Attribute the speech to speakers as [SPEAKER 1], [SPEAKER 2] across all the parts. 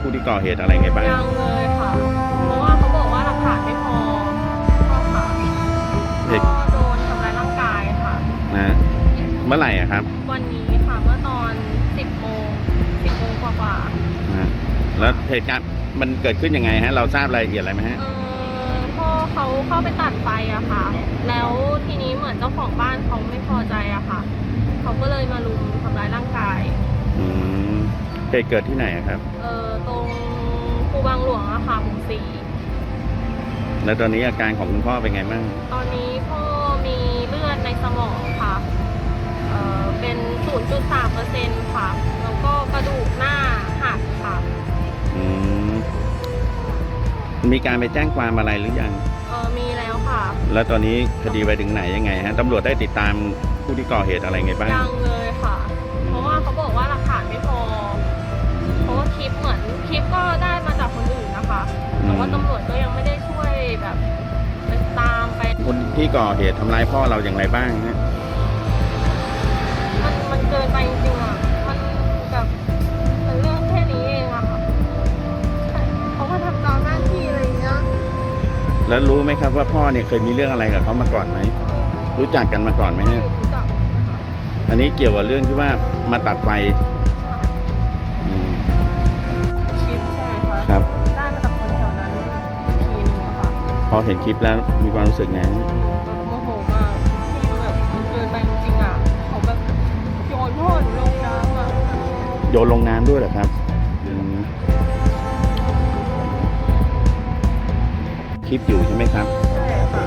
[SPEAKER 1] ผู้ที่ก่อเหตุอะไรไงบ้าง
[SPEAKER 2] ยังเลยค่ะเพราะว่าเขาบอกว่าหลักฐานไม่พอก็ค่ะก็โดนทำร้ายร่างกายค่ะ
[SPEAKER 1] นะเมื่อไหร่ครับ
[SPEAKER 2] วันนี้ค่ะเมื่อตอน10 โมงกว่า
[SPEAKER 1] นะแล้วเหตุการณ์มันเกิดขึ้นยังไงฮะเราทราบรายละเอียดอะไรไหมฮะ
[SPEAKER 2] พ่อเขาเข้าไปตัดไฟอะค่ะแล้วทีนี้เหมือนเจ้าของบ้านเขาไม่พอใจอะค่ะเขาก็เลยมารุมทำร้ายร่างกาย
[SPEAKER 1] เหตุเกิดที่ไหนครับ
[SPEAKER 2] ตรงคูบางหลวงอะค่ะหมู่ 4
[SPEAKER 1] แล้วตอนนี้อาการของคุณพ่อเป็นไงบ้าง
[SPEAKER 2] ตอนนี้พ่อมีเลือดในสมองค่ะเป็น 0.3% ค่ะแล้วก็กระดูกหน้าหักค่ะ
[SPEAKER 1] มีการไปแจ้งความอะไรหรือยัง
[SPEAKER 2] มีแล้วค่ะ
[SPEAKER 1] แล้วตอนนี้คดีไปถึงไหนยังไงฮะตำรวจได้ติดตามผู้ที่ก่อเหตุอะไรไงบ้าง
[SPEAKER 2] ยังเลยค่ะเพราะว่าเขาบอกว่าหลักฐานไม่พอเพราะว่าคลิปก็ได้มาจากคนอื่นนะคะแต่ว่าตำรวจก็ยังไม่ได้ช่วยแบบไปตามไป
[SPEAKER 1] คนที่ก่อเหตุทำร้ายพ่อเราอย่างไรบ้างฮะ
[SPEAKER 2] มันเกินไปจริงๆอ่ะมันแบบเป็นเรื่องแค่นี้เองอะค่ะเขาก็ทำตามหน้าที่อะไรอย่างเงี้ย
[SPEAKER 1] แล้วรู้ไหมครับว่าพ่อเนี่ยเคยมีเรื่องอะไรกับเขามาก่อนไหมรู้จักกันมาก่อนไหมฮะ
[SPEAKER 2] รู้จัก
[SPEAKER 1] อันนี้เกี่ยวกับเรื่องที่ว่ามาตัดไฟ
[SPEAKER 2] คลิปใช่ไหมคะ
[SPEAKER 1] ครับ
[SPEAKER 2] ได้มาจากคนแถวนั้นทีนึงค่ะ
[SPEAKER 1] พอเห็นคลิปแล้วมีความรู้สึกไง
[SPEAKER 2] โมโหมากที่แบบมันเกินไปจริงๆอ่ะเขาแบบโยนพ่อหนูลงน้ำอ่ะ
[SPEAKER 1] โยนลงน้ำด้วยเหรอครับคลิปอยู่ใช่ไหมครับ
[SPEAKER 2] ใช่ค่ะ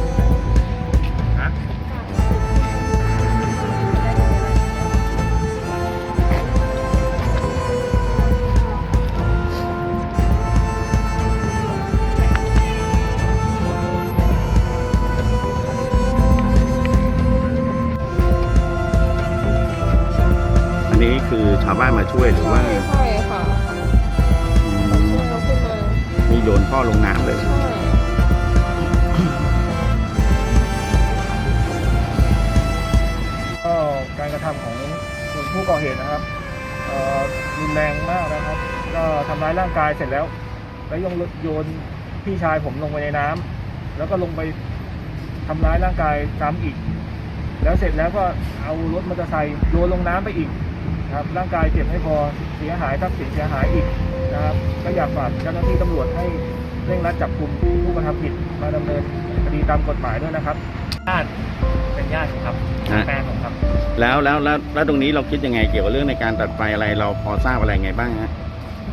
[SPEAKER 1] นี้คือชาวบ้านมาช่วยหรือว่า
[SPEAKER 2] ใช่ค่ะช่วยเราขึ้นมา
[SPEAKER 1] มีโยนพ่อลงน้ำเลย
[SPEAKER 3] ก็การกระทำของผู้ก่อเหตุนะครับรุนแรงมากนะครับก็ทำร้ายร่างกายเสร็จแล้วโยนพี่ชายผมลงไปในน้ำแล้วก็ลงไปทำร้ายร่างกายซ้ำอีกแล้วเสร็จแล้วก็เอารถมอเตอร์ไซค์โยนลงน้ำไปอีกครับร่างกายเจ็บไม่พอเสียหายทรัพย์สินเสียหายอีกนะครับก็อยากฝากเจ้าหน้าที่ตำรวจให้เร่งรัดจับกุมผู้กระทำผิดมาดำเนินคดีตามกฎหมายด้วยนะครับญาติเป็นญาติครับแฟนผมครับ
[SPEAKER 1] แล้วตรงนี้เราคิดยังไงเกี่ยวกับเรื่องในการตัดไฟอะไรเราพอทราบอะไรไงบ้างฮะ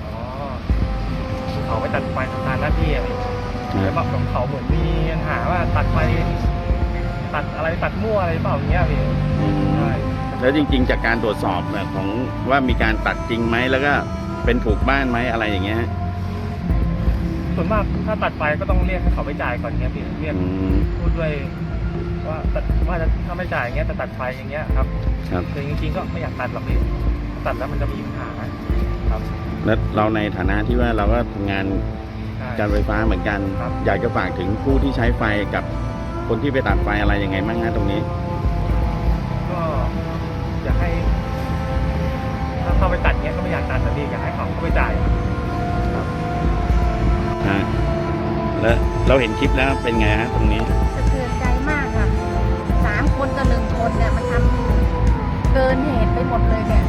[SPEAKER 3] เขาไปตัดไฟทำงานหน้าที่อะไรแบบของเขาเหมือนมีปัญหาว่าตัดไฟตัดอะไรตัดมั่วอะไรเปล่าอย่างเงี้ยพี่ใช่
[SPEAKER 1] แล้วจริงๆจากการตรวจสอบของว่ามีการตัดจริงไหมแล้วก็เป็นถูกบ้านไหมอะไรอย่างเงี้ย
[SPEAKER 3] ส่วนมากถ้าตัดไฟก็ต้องเรียกให้เขาไปจ่ายก่อนเงี้ยพี่เรียกพูดด้วยว่าถ้าไม่จ่ายเงี้ยจะตัดไฟอย่างเงี้ยครับคือจริงๆก็ไม่อยากตัดหรอกพี่ตัดแล้วมันจะมีปัญหาครับ
[SPEAKER 1] แล้วเราในฐานะที่ว่าเราก็ทำงานการไฟฟ้าเหมือนกันอยากจะฝากถึงผู้ที่ใช้ไฟกับคนที่ไปตัดไฟอะไรยังไงบ้างฮะตรงนี้
[SPEAKER 3] ก็อยากให้ถ้าเข้าไปตัดเงี้ยก็ไม่อยากตัดแต่ดีอยากให้เขาไปจ่ายครับ
[SPEAKER 1] แล้วเราเห็นคลิปแล้วเป็นไงฮะตรงนี้
[SPEAKER 4] สะเทือนใจมากค่ะ3 คนกับ1 คนเนี่ยมันทำเกินเหตุไปหมดเลยเนี่ย